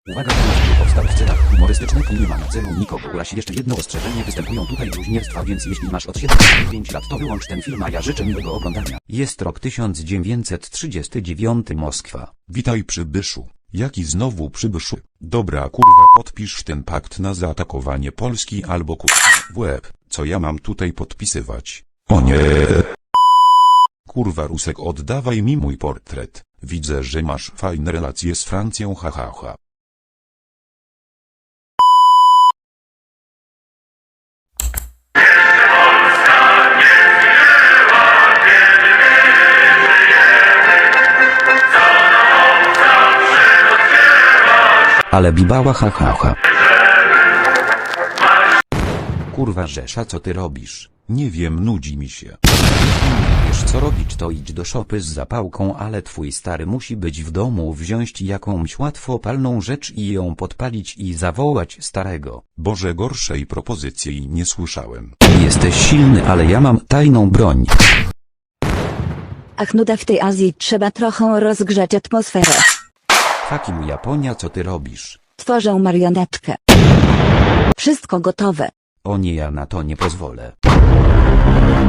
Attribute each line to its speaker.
Speaker 1: Uwaga, temat powstał w celach humorystycznych i nie ma na celu nikogo urazić. Jeszcze jedno ostrzeżenie, występują tutaj bluźnierstwa, więc jeśli masz od 7 do 5 lat, to wyłącz ten film, a ja życzę miłego oglądania. Jest rok 1939, Moskwa.
Speaker 2: Witaj przybyszu. Jaki znowu przybyszu? Dobra kurwa, podpisz ten pakt na zaatakowanie Polski albo w łeb. Co ja mam tutaj podpisywać? O nie! Kurwa Rusek, oddawaj mi mój portret. Widzę, że masz fajne relacje z Francją, hahaha.
Speaker 1: Ale bibała, hahaha. Kurwa Rzesza, co ty robisz?
Speaker 2: Nie wiem, nudzi mi się.
Speaker 1: Wiesz co robić, to idź do szopy z zapałką, ale twój stary musi być w domu, wziąć jakąś łatwopalną rzecz i ją podpalić i zawołać starego.
Speaker 2: Boże, gorszej propozycji nie słyszałem.
Speaker 1: Jesteś silny, ale ja mam tajną broń.
Speaker 3: Ach, nuda w tej Azji, trzeba trochę rozgrzać atmosferę.
Speaker 1: Fuck you, Japonia, co ty robisz?
Speaker 3: Tworzę marionetkę. Wszystko gotowe.
Speaker 1: O nie, ja na to nie pozwolę.